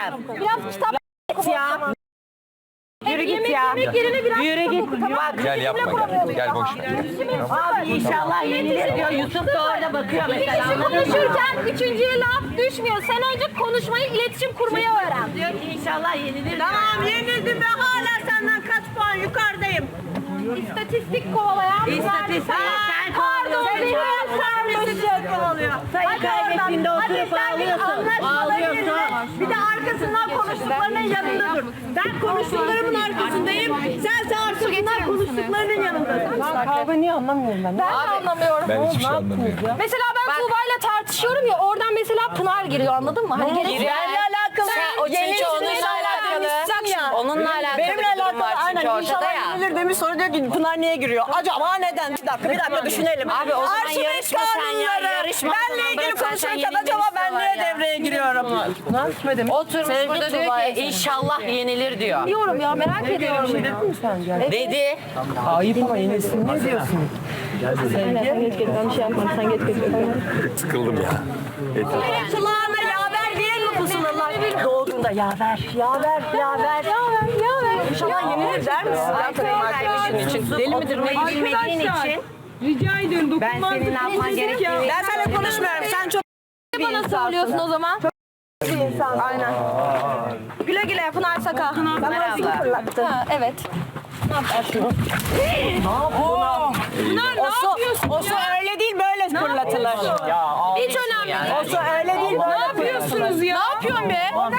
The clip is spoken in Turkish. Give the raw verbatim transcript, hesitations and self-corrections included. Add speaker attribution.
Speaker 1: söyleyeceğim.
Speaker 2: Biraz kitap
Speaker 1: Ya. Yürü git ya.
Speaker 2: yemek yerine biraz
Speaker 1: Yürü
Speaker 2: kitap
Speaker 1: git.
Speaker 2: oku, tamam.
Speaker 1: Bak.
Speaker 3: Gel yapma gel. Gel boş ver.
Speaker 1: Abi inşallah yenilir diyor. Yusuf da orada bakıyor
Speaker 2: İki
Speaker 1: mesela.
Speaker 2: kişi konuşurken üçüncüye laf düşmüyor. Sen önce konuşmayı, iletişim kurmayı öğren.
Speaker 1: Diyor ki inşallah yenilir diyor.
Speaker 4: Tamam yenildim ve hala senden kaç puan yukarıdayım.
Speaker 2: İstatistik kovalayan bir
Speaker 1: İstatistik, sen
Speaker 2: Pardon,
Speaker 1: kovalıyorsun.
Speaker 2: beni ben sarmışım.
Speaker 4: Kovalıyor.
Speaker 1: Sayı
Speaker 2: Hadi oradan.
Speaker 1: kaybettiğinde
Speaker 2: Hadi
Speaker 1: oturup
Speaker 2: sen bir
Speaker 1: ağlıyorsun.
Speaker 2: anlaşmalı
Speaker 1: Ağlıyorsun.
Speaker 2: birine-
Speaker 4: Bir de arkasından konuştuklarının yanında dur. Ben konuştuklarımın arkasındayım. Sen de arkasından konuştuklarının yanındasın.
Speaker 5: Kavga niye anlamıyorum ben?
Speaker 2: Ben de anlamıyorum.
Speaker 3: Ben hiçbir şey anlamıyorum.
Speaker 2: Mesela ben Tuğba'yla tartışıyorum ya, oradan mesela Pınar giriyor, anladın mı? Hani gerek
Speaker 4: Benimle alakalı.
Speaker 6: Sen, o çünkü onunla alakalı. Onunla alakalı
Speaker 5: Benimle
Speaker 6: bir durum
Speaker 5: alakalı
Speaker 6: var çünkü
Speaker 5: aynen
Speaker 6: ortada
Speaker 5: inşallah
Speaker 6: ya.
Speaker 5: yenilir demiş, sonra diyor ki Pınar niye giriyor? Acaba neden? Bir dakika bir dakika düşünelim.
Speaker 6: Abi o zaman
Speaker 5: Arşiv
Speaker 6: yarışma sen ya,
Speaker 5: kanunları,
Speaker 6: yarışma.
Speaker 5: benle
Speaker 6: Tamam,
Speaker 5: ilgili
Speaker 6: bırak sen,
Speaker 5: konuşurken
Speaker 6: sen
Speaker 5: acaba ben
Speaker 6: yenilmek
Speaker 5: niye
Speaker 6: istiyorlar
Speaker 5: devreye giriyorum? Pınar ne demek?
Speaker 6: Oturmuş burada diyor ki inşallah yenilir diyor.
Speaker 2: diyorum ya, merak ediyorum.
Speaker 5: Dedin mi sen gel?
Speaker 6: Dedi.
Speaker 5: Ayıp ama yenilsin ne diyorsun?
Speaker 3: Sıkıldım ya.
Speaker 5: Kulağına yaver diye mi pusulalar? Doğduğunda yaver, yaver, yaver.
Speaker 2: Yaver, yaver.
Speaker 5: İnşallah yenilir der misin?
Speaker 1: Kaybettiğin için. Deli midir? Bilmediğin için.
Speaker 4: Rica ediyorum
Speaker 1: Ben senin ne yapman gerektiğini...
Speaker 5: Ben seninle konuşmuyorum. Sen çok
Speaker 2: Bana söylüyorsun o zaman.
Speaker 5: bir insan. Aynen. Güle güle Pınar Saka. Bana zil fırlattı.
Speaker 2: Ha, evet.
Speaker 5: Pınar ne yapıyorsun? O su öyle değil böyle fırlatılır.
Speaker 2: Hiç önemli değil.
Speaker 5: O su öyle değil böyle
Speaker 4: Ne yapıyorsunuz ya?
Speaker 2: Ne yapıyorsun be?